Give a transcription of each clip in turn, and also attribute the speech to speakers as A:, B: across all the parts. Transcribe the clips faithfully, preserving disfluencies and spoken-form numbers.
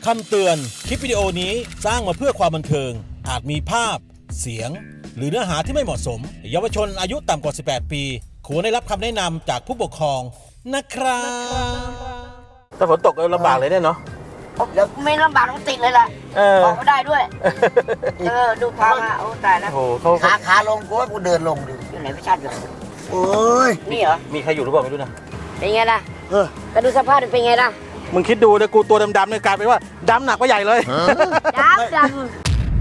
A: คำเตือน คลิปวิดีโอนี้สร้างมาเพื่อความบันเทิงอาจมีภาพเสียงหรือเนื้อหาที่ไม่เหมาะสมเยาวชนอายุต่ำกว่าสิบแปดปีควรได้รับคำแนะนำจากผู้ปกครองนะครับถ้าฝนตกลำบากเลยเนี่ยเนาะ
B: แล้วไม่ลำบากต้องติดเลยล่ะออกไม่ได้ด้วยเออดูทางอ่ะโอ้ตายแล้ว
A: โอ้เขา
C: ขาขาลงกูว่ากูเดินลงดิ
B: อยู่ไหนพี่ชาติอยู่
C: โอ้ย
B: นี่เหรอ
A: มีใครอยู่หรือเปล่าไม่รู้นะ
B: เป็นไงล่ะ
C: เออ
B: ก็ดูสภาพเป็นไงล่ะ
A: มึงคิดดูเลยกูตัวดำๆเนี่ยกลายเป็นว่าดำหนักกว่าใหญ่เลย
B: ดำดำ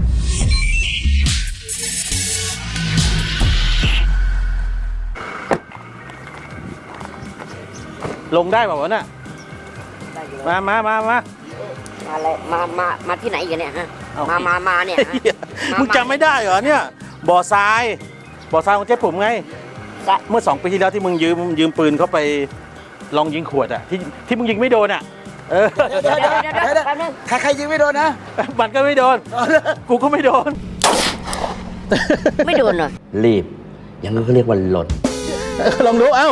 A: ลงได้เปล่าวะน่ะมามามามา
B: มาเลยมามามาที่ไหนกันเนี่ยฮะ
A: เอา
B: มามามาเนี่ยฮะ
A: เหี้ยมึงจำไม่ได้เหรอเนี่ยบ่อทรายบ่อทรายของเจ๊ปุ๋มไง
B: จะ
A: เมื่อสองปีที่แล้วที่มึงยืมยืมปืนเขาไปลองยิงขวดอะที่ที่มึงยิงไม่โดนอะเออ
B: เดี๋ยวเดี๋ยวเดี๋ยวเดี๋ยวเดี๋ยวแป๊บนึง
C: ใครใครยิงไม่โดนนะ
A: มันก็ไม่โดน กูก็ไม่โดน
B: ไม่โดนเหรอ
D: รีบ อย่างนั้นเขาเรียกว่าหล่น
A: ลองดูเอ้า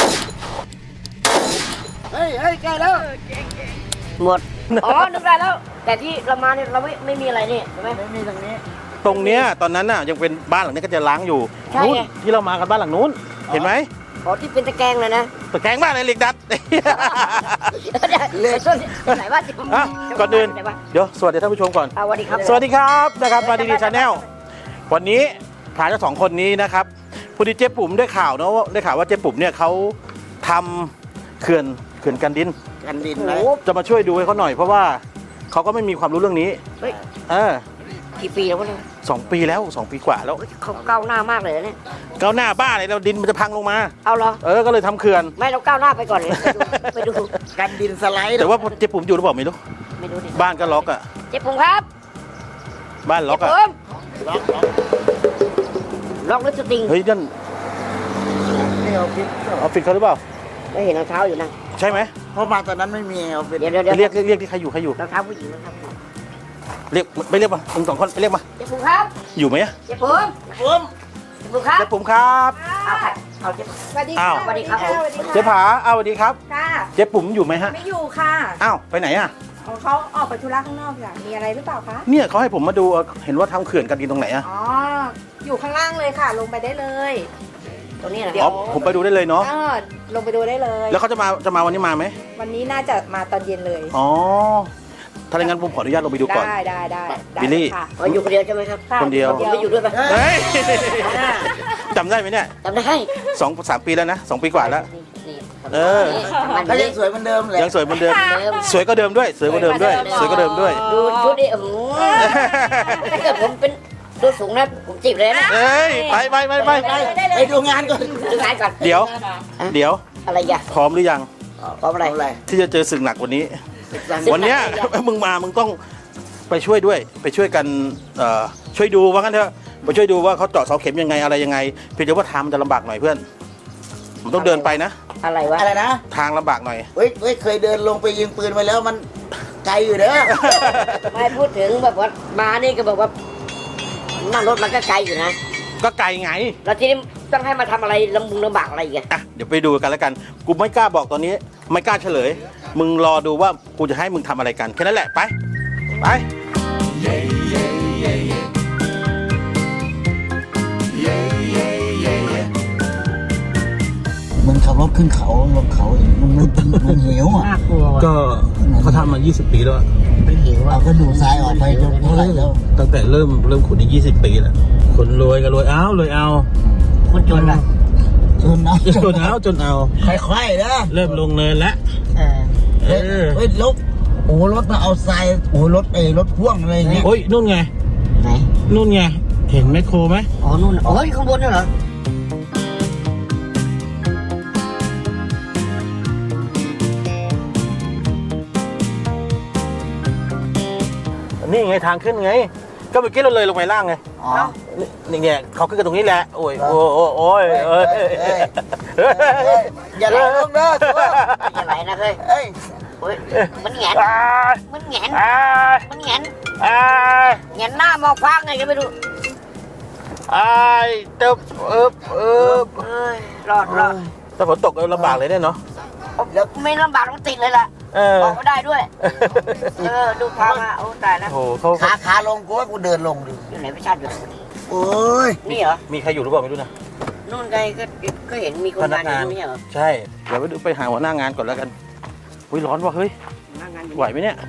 C: เฮ้ยเฮ้ยใกล้แล้ว
B: หมดอ๋อนึกได้แล้ว แต่ที่เรามาเนี่ยเราไม่ไม่มีอะไรนี่ใช่ไหม
C: ไม่มีตรงนี้
A: ตรงเนี้ยตอนนั้นน่ะยังเป็นบ้านหลังนี้ก็จะล้างอยู่
B: ใช่
A: นู้น
B: ไง
A: ที่เรามากันบ้านหลังนู้นเห็นไหม
B: อ๋อที่เป็นตะแกรงเลยนะ
A: ตะแกรงบ้านอะไรเหล็กดัด
B: เดี๋ยวช่วงไหนว่า
A: อ่ะก่อนอื่น
B: ไหนวะ
A: เดี๋ยวสวัสดีท่านผู้ชมก่อน
B: อ่ะสวัสดีครับ
A: สวัสดีครับนะครับมาดีดีชาแนลวันนี้ถามเจ้าสองคนนี้นะครับพอดีเจ๊ปุ๋มได้ข่าวเนาะว่าได้ข่าวว่าเจ๊ปุ๋มเนี่ยเขาทำเขื่อนเขื่อนกันดิน
C: กันดิน
B: โอ้
C: นะ
B: โห
A: จะมาช่วยดูให้เขาหน่อยเพราะว่าเขาก็ไม่มีความรู้เรื่องนี้
B: เฮ้ย
A: เออ
B: กี่ปีแล้ววะเนี่ย
A: สองปีแล้วสองปีกว่าแล้ว
B: เฮ้ยเขาก้าวหน้ามากเลยนะเนี่ย
A: ก้าวหน้าบ้าอะไรเราดินมันจะพังลงมา
B: เอาเหรอ
A: เออก็เลยทำเขื่อน
B: ไม่เราก้าวหน้าไปก่อนเลยไปดูไปดู
C: กันดินสไลด์
A: แต่ว่าเจ๊ปุ๋มอยู่หรือเปล่าไม่รู้
B: ไม่ดูดิ
A: บ้านก็ล็อกอะ
B: เจ๊ปุ๋มครับ
A: บ้านล็อกอะ
B: เจ๊ปุ๋ม
C: ล็อกล็อก
B: ล็อกหรือสติง
A: เฮ้ยนั่น
C: นี่เอาฟิต
A: ออฟฟิศเขาหรือเปล่า
B: ไม่เห็นรองเท้าอยู่นะ
A: ใช่ไหม
C: เพราะมาตอนนั้นไม่มีเอาฟิต
B: เดี๋ยวเดี๋ยวเดี๋ยว
A: เรียกเรียกเรียกที่ใครอยู่ใครอยู่
B: รองเท้าผู้หญิงรองเท้าผู้หญิง
A: เรียกไปเรียกมามึงสองคนไปเรียกมา
B: เจ๊ปุ๋มครับ
A: อยู่ไหมอะ
B: เจ๊ปุ๋ม
C: ปุ้ม
B: เจ๊ปุ๋มครับ
A: เจ๊ปุ๋มครับ
B: เอาใครเอาเจ๊ปุ๋ม
E: สวัสดี
A: อ้า
E: ค่ะ
A: ว
B: สวัสดีครับ
E: สวัสดีค่ะ
A: เจ๊ผาอ้าวสวัสดีครับ
E: ค่ะ
A: เจ๊ปุ๋มอยู่ไหมฮะ
E: ไม่อยู่ค่ะ
A: อ้าวไปไหนอะ
E: ของเขาออกไปธุระข้างนอกค่ะมีอะไรหรือเปล่าคะ
A: เนี่ยเขาให้ผมมาดูเอ่อเห็นว่าทำเขื่อนกันดินตรงไหนอะ
E: อ๋อ อยู่ข้างล่างเลยค่ะ ลงไปได้เลย
B: ตัวนี้นะ
E: เดี๋ยว
A: อ๋อผมไปดูได้เลยเนาะ
E: เออลงไปดูได้เลย
A: แล้วเขาจะมาจะมาวันนี้มาไหม
E: วันนี้น่าจะมาตอนเย็นเลย
A: อ๋อถ้าอย่างนั้นผมขออนุญาตลงไปดูก่อน
E: ได้ได้ได้ได้
A: บิลลี่
E: ค่ะ
B: อ๋ออยู่คนเดียวใช่ไหมครับ
E: ค่ะ
A: คนเดียว
B: ผมไม่อยู่ด้วยปะ
A: เฮ้ยจำได้ไหมเนี่ย
B: จำได้
A: สองสามปีแล้วนะสองปีกว่าแล้ว
B: นี่นี่
A: เออ
B: มัน
C: ก็
B: ไม่
C: ยังสวยเหมือนเดิมเลย
A: ยังสวยเหมือนเดิม
B: เดิม
A: สวยก็เดิมด้วย สวยก็เดิมด้วย สวยก็เดิมด้วย
B: ดูชุดดิโอ้โหถ้าเกิดผมเป็นตัวสูงนะผมจีบเลยนะ
A: เอ้ยไปไปไปไป
C: ไปไปดูงานก่อน
B: ดูงานก่อน
A: เดี๋ยว เดี๋ยว
B: อะไรอย่า
A: พร้อมหรือยัง
B: พร้อมอะไร
C: เอาอะไร
A: ที่จะเจอศึกหนักวันนี้
B: ศึกหนัก
A: วันเนี้ย
B: อะไรอ่ะ
A: มึงมามึงต้องไปช่วยด้วย ไปช่วยกันเอ่อช่วยดูว่างั้นเถอะไปช่วยดูว่าเขาเจาะเสาเข็มยังไงอะไรยังไงเพียงแต่ว่าทางมันจะลำบากหน่อยเพื่อนมันต้องเดินไปนะ
B: อะไรวะ
C: อะไรนะ
A: ทางลำบากหน่อย
C: เฮ้ยเฮ้ยเคยเดินลงไปยิงปืนไปแล้วมันไกลอยู่เด้อ
B: ไม่พูดถึงแบบว่ามานี่ก็บอกว่านั่งรถมันก็ไกลอยู่นะ
A: ก็ไกลไง
B: แล้วทีนี้ต้องให้มาทำอะไรลำบุงลำบากอะไรอีกอะ
A: อ่ะเดี๋ยวไปดูกันแล้วกัน กูไม่กล้าบอกตอนนี้ ไม่กล้าเฉลย มึงรอดูว่ากูจะให้มึงทำอะไรกันแค่นั้นแหละไป ไป
C: มันขับรถขึ้นเขาลงเขาเองมันมันมันเหวอ่ะ
B: น่ากลัว
A: ก็เขาทำมา ยี่สิบ ปีแล้วอะ
B: มันหิว
C: เอา
B: อ่ะ
C: ก็ดูซ้ายออกไปจนเท่าไหร่แล้ว
A: ตั้งแต่เริ่มเริ่มขุดนี่ยี่สิบ ปีแล้วคนรวยก็รวยเอารวยเอา
B: คนจนอ่ะ
C: จนนะ
A: จนเอาจนเอา
C: ค่อยๆนะ
A: เริ่มลงเนินแล้ว
B: เออ
A: เออ
C: เฮ้ยรถโอ้รถมาเอาทรายโอ้รถเอยรถพ่วงอะไรอย่างเงี้ย
A: โอ้ยนู่นไง
B: ไหน
A: นู่นไง เห็นแมคโครไหม
B: อ๋อนู่นอ๋ออยู่ข้างบนน่ะเหรอ
A: นี่ไงทางขึ้นไง ก็เมื่อกี้เราเลยลงไปล่างไง
C: อ๋อ
A: นี่ไงเขาขึ้นกันตรงนี้แหละ โอ้ย โอ้โอ้โอ้ยเอ้ย
C: เอ้ยเอ้ย เฮ้ยอย่าไหลลงเด้อตัว
B: อย่าไหลนะเฮ้ย
C: เอ้ย
B: เฮ้ยมันแหงน
A: อ้าย
B: มันแหงน
A: อ้าย
B: มันแหงน
A: อ้าย
B: แหงนหน้ามองฟ้าไงก็ไม่รู้
A: อ้ายเติบเอิบเอิบ
B: เอ้ยรอดรอด
A: ถ้าฝนตกลำบากเลยเนี่ยเนาะ
B: แล้วไม่ลำบากต้องติดเลยล่ะออกก็ได้ด้วย เออดูพามาโอ้ตายแล้ว
A: โอ้โหเขา
C: ขาขาลงกูว่ากูเดินลงดิ
B: อยู่ไหนประชาชนอยู่
C: โอ้ย
B: นี่เหรอ
A: มีใครอยู่หรือเปล่าไม่รู้นะ
B: นู่นไงก็ก็เห็นมีคนงานอยู่นี่เหรอ
A: ใช่เดี๋ยวไปดูไปหาหัวหน้างานก่อนแล้วกันอุ้ยร้อนว่ะเฮ้ย
B: หน้างานอยู่
A: ไหวไหมเนี่ย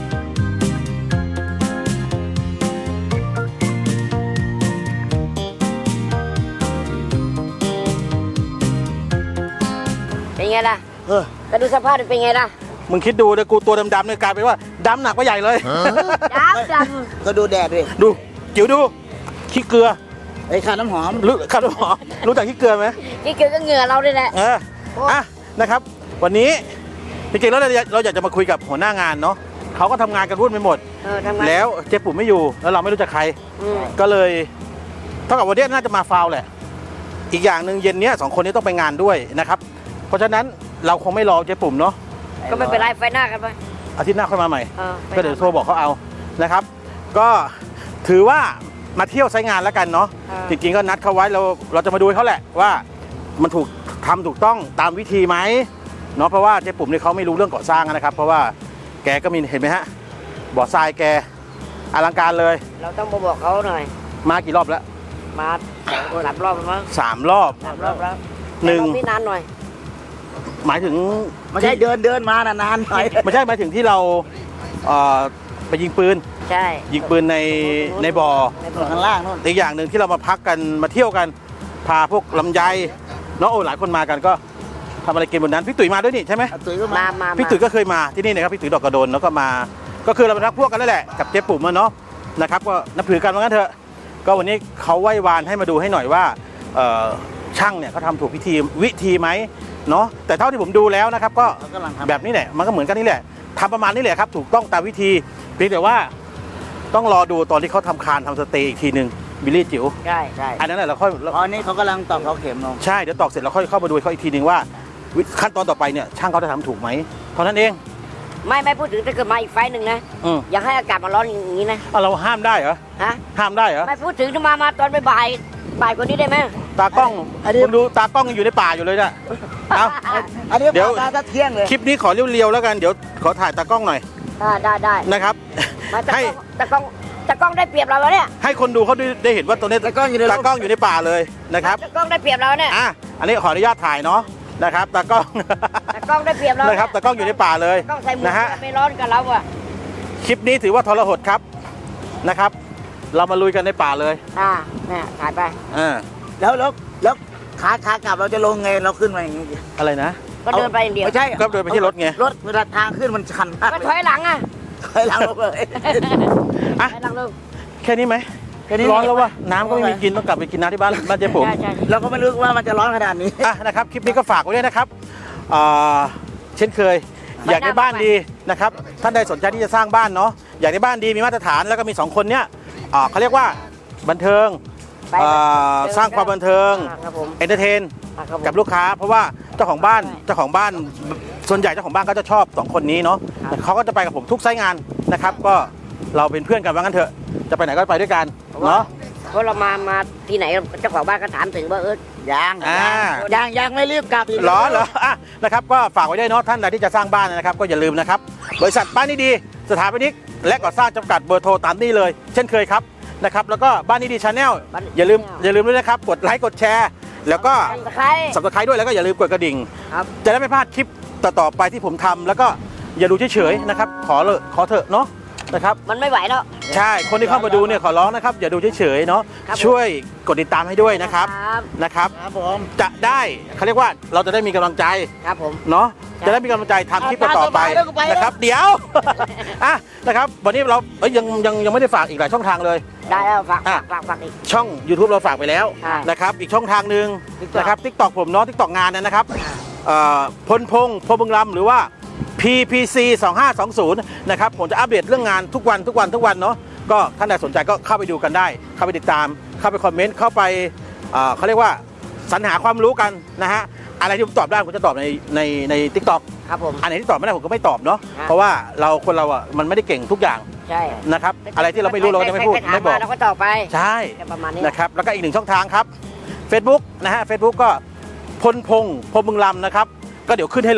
B: เป็นไงล่ะ
C: เออ
B: ก็ดูสภาพเป็นไงล่ะ
A: มึงคิดดูเลยกูตัวดำๆเนี่ยกลายเป็นว่าดำหนักกว่าใหญ่เลย
B: ดำด
C: ก็ดูแดดดิ
A: ดูจิ๋วดูขี้เกลือ
C: ไอ้ขาน้ำหอม
A: รู้ครับหมอรู้จักขี้เกลือไหม
B: ำนี่เกี่ยวกับเหงื่อเราด้วยแหละ
A: เอออ่ะนะครับ วันนี้จริงๆแล้วเราเราอยากจะมาคุยกับหัวหน้างานเนาะเขาก็ทำงานกันวุ่นไปหมด
B: เออทำงาน
A: แล้วเจ๊ปุ๋มไม่อยู่แล้วเราไม่รู้จักใคร
B: อืม
A: ก็เลยเท่ากับวันนี้น่าจะมาฟาวแหละ อีกอย่างหนึ่งเย็นเนี้ยสองคนนี้ต้องไปงานด้วยนะครับ เพราะฉะนั้นเราคงไม่รอเจ๊ปุ๋มเนาะ
B: ก็ไม่เป็นไรไฟหน้ากันไป
A: อาทิตย์หน้าค่อยมาใหม่
B: เออไป
A: ก็เดี๋ยวโทรบอกเขาเอานะครับ ก็ถือว่ามาเที่ยวไซต์งานแล้วกันเนาะ
B: เออ
A: จริงๆก็นัดเขาไว้เราเราจะมาดูให้เขาแหละว่ามันถูกทำถูกต้องตามวิธีไหมเนาะเพราะว่าเจ๊ปุ๋มเนี่ยเขาไม่รู้เรื่องก่อสร้างนะครับ เพราะว่าแกก็มีเห็นไหมฮะบ่อทรายแกอลังการเลย
B: เราต้องมาบอกเขาหน่อย
A: มากี่รอบแล้ว
B: มาสองคนสามรอบแล้วมั้ง
A: สามรอบ
B: สามรอบแล้ว
A: หนึ่ง
B: แต่รอบนี่นานหน่อย
A: หมายถึง
C: ไม่ใช่เดินเดินมานานๆหน่อย
A: ไม่ใช่หมายถึงที่เราเอ่อไปยิงปืน
B: ใช่
A: ยิงปืนในในบ่อ
B: ในบ่อ
C: ข้างล่างนู่น
A: อีกอย่างหนึ่งที่เรามาพักกันมาเที่ยวกันพาพวกลำไยเนาะโอ้หลายคนมากันก็ทำอะไรกินบนนั้นพี่ตุ๋ยมาด้วยนี่ใช่ไหม
C: เอาตุ๋ยก็
B: มา
C: มา
B: มา
A: พี่ตุ๋ยก็เคยมาที่นี่นะครับพี่ตุ๋ยดอกกระโดนแล้วก็มา ก็คือเราเป็นพักพวกกันนั่นแหละกับเจ๊ปุ๋มอะเนาะนะครับก็นับถือกันว่างั้นเถอะก็วันนี้เขาไหว้วานให้มาดูให้หน่อยว่าเอ่อช่างเนี่ยเขาทำถูกวิธีวิธีไหมเนาะแต่เท่าที่ผมดูแล้วนะครับก็
C: เขากำลังทำ
A: แบบนี้แหละมันก็เหมือนกันนี่แหละทำประมาณนี้แหละครับถูกต้องตามวิธีเพียงแต่ว่าต้องรอดูตอนที่เขาทำคานทำสเตย์อีกทีหนึ่งบิลลี่จิ๋ว
B: ใช่ใช่
A: อันนั้นแหละเราค่อย
C: ตอนนี้เขากำลังตอกเสาเข็มลง
A: ใช่เดี๋ยวตอกเสร็จเราค่อยเข้ามาดูเขาอีกทีหนึ่งว่าวิขั้นตอนต่อไปเนี่ยช่างเขาจะทำถูกไหมเท่านั้นเอง
B: ไม่ไม่พูดถึงถ้าเกิดมาอีกไฟล์หนึ่งนะ
A: อืม
B: อย่าให้อากาศมันร้อนอย่างนี้นะ
A: เอาเราห้ามได้เหรอ
B: ฮะ
A: ห้ามได้เหรอ
B: ไม่พูดถึงจะมามาตอนบ่ายๆบ่ายกว่านี้ได้ไหม
A: ตากล้องคุณดูตากล้องยังอยู่ในป่าอยู่เลยเนี่ยเอา
C: อันนี้
A: เดี๋ยว
C: มาถ้าเที่ยงเลย
A: คลิปนี้ขอเรียวๆแล้วกันเดี๋ยวขอถ่ายตากล้องหน่อย
B: ได้ได้ได้
A: นะครับ
B: มาตะก
A: ให้
B: ล้องตะกล้องตะกล้องได้เปรียบเราแล้วเนี่ย
A: ให้คนดูเขาได้ได้เห็นว่าตัวนี้
C: ตากล้องอยู่ใน
A: ตากล้องอยู่ในป่าเลยนะครับ
B: ตะกล้องได้เปรียบเราเนี่ย
A: อ่ะอันนี้ขออนุญาตถ่ายเนาะนะครับตากล้อง
B: ตะกล้องได้เปรียบเรา
A: นะ
B: นะ
A: ครับตากล้องอยู่ในป่าเลย
B: ตะกล้องใส่หมว
A: นะฮะ
B: กไม่ร้อนกับเราอ่ะ
A: คลิปนี้ถือว่าทรหดครับนะครับ เรามาลุยกันในป่าเลย
B: อ่าเนี่ยถ่ายไป
A: อ่า
C: แล้วแล้วแล้วขาขากลับเราจะลงไงเราขึ้นมาอย่างงี้
A: อะไรนะ
B: ก็เดินไปอย่างเดียว
C: ไม่ใช่
A: ก็เดินไปที่รถไง
C: รถเวลาทางขึ้นมันชันมาก
B: ก็ถอยหลังอ่ะ
C: ถอยหลังลงเลย
A: อ่ะ
B: ถอยหลังลง
A: แค่นี้ไหม
C: แค่นี้
A: ร้อนแล้ววะน้ำก็ไม่มีกินต้องกลับไปกินน้ำที่บ้านบ้านเจ๊ผม
B: ใช่ใช่
C: เราก็ไม่รู้ว่ามันจะร้อนขนาดนี้
A: อ่ะนะครับคลิปนี้ก็ฝากไว้ด้วยนะครับอ่าเช่นเคย อยากได้บ้านดีนะครับท่านใดสนใจที่จะสร้างบ้านเนาะอยากได้บ้านดีมีมาตรฐานแล้วก็มีสองคนเนี้ยอ่าเขาเรียกว่าบันเทิง
B: ไป
A: อ่าสร้างความบันเทิง
B: อ่าครับผม
A: เอนเตอร์เทน
B: อ่าครับผม
A: กับลูกค้า เพราะว่าเจ้าของบ้านเจ้าของบ้านส่วนใหญ่เจ้าของบ้านก็จะชอบสองคนนี้เนาะ
B: ครับ
A: เขาก็จะไปกับผมทุกไซต์งานนะครับ ก็เราเป็นเพื่อนกันว่างั้นเถอะจะไปไหนก็ไปด้วยกันเนาะ
B: เพราะเรามามาที่ไหนเจ้าของบ้านก็ถามถึงว่าเออ
C: ยัง
A: อ่า
C: ยังยังไม่รีบกลับอีก
A: เหรอเหรออ่ะนะครับก็ฝากไว้ด้วยเนาะท่านใดที่จะสร้างบ้านนะครับ ก็อย่าลืมนะครับบริษัทบ้านนี้ดีสถาปนิกและก่อสร้างจำกัดเบอร์โทรตามนี้เลย เช่นเคยครับนะครับแล้วก็บ้านนี้ดีชาแนลอย่าลืมอย่าลืมด้วยนะครับกดไลค์กดแชร์ แล้วก็
B: ทำตะไคร้
A: สับสไครด้วยแล้วก็อย่าลืมกดกระดิ่ง
B: ครับ
A: จะได้ไม่พลาดคลิปต่อๆไปที่ผมทำแล้วก็อย่าดูเฉยๆนะครับขอเลยขอเถอะเนาะนะครับ
B: มันไม่ไหวแล้ว
A: ใช่คนที่เข้ามาดูเนี่ยขอร้องนะครับอย่าดูเฉยๆเนาะ
B: ครับผม
A: ช่วยกดติดตามให้ด้วยนะครับ
B: ครับ
A: นะครับ
C: ครับผม
A: จะได้เขาเรียกว่าเราจะได้มีกำลังใจ
B: ครับผม
A: เนาะ
B: ครับ
A: จะได้มีกำลังใจทำคลิปต่อๆไป
C: เอาตามสบายแล้วก็ไปแล้ว
A: นะครับ เดี๋ยว อ่ะนะครับวันนี้เราเอ้ยยังยังยังไม่ได้ฝากอีกหลายช่องทางเลย
B: ได้แล้วฝาก
A: อ่ะ
B: ฝากฝากอีก
A: ช่อง YouTube เราฝากไปแล้ว
B: อ่า
A: นะครับอีกช่องทางหนึ่ง
B: TikTok
A: นะครับ TikTok ผมเนาะ TikTok งานเนี่ยนะครับเอ่อพลพงษ์พลบึงลำหรือว่า พี พี ซี สองห้าสองศูนย์ นะครับผมจะอัปเดตเรื่องงานทุกวันทุกวันทุกวันเนาะก็ท่านใดสนใจก็เข้าไปดูกันได้ เข้าไปติดตาม เข้าไปคอมเมนต์เข้าไปเอ่อเขาเรียกว่าสรรหาความรู้กันนะฮะอะไรที่ผมตอบได้ผมจะตอบในในใน TikTok
B: ครับผม
A: อันไหนที่ตอบไม่ได้ผมก็ไม่ตอบเนาะ
B: ครับ
A: เพราะว่าเราคนเราอ่ะมันไม่ได้เก่งทุกอย่าง
B: ใช่
A: นะครับอะไรที่เราไม่รู้เราก็จะไม่พูด
B: ใครๆถา
A: ไม่บอก
B: เราก็ตอบไป
A: ใช่
B: แค่ประมาณนี้
A: นะครับแล้วก็อีกหนึ่งช่องทางครับ Facebook นะฮะ Facebook ก็พลพงษ์พลบึงลำนะครับก็เดี๋ยวขึ้นให้เลย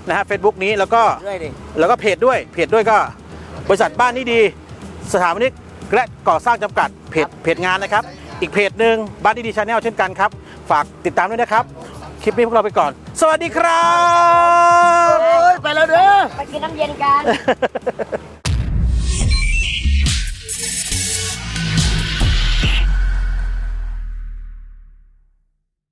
A: นะฮะ Facebook นี้แล้วก็
C: ด้วยดิ
A: แล้วก็เพจด้วยเพจด้วยก็บริษัทบ้านนี้ดีสถาปนิกและก่อสร้างจำกัดเพจเพจงานนะครับอีกเพจหนึ่งบ้านนี้ดีชาแนลเช่นกันครับฝากติดตามด้วยนะครับคลิปนี้พวกเราไปก่อน สวัสดีครับ
C: โอ้ยไปแล้วเด้อ
B: ไปกินน้ำเย็นกัน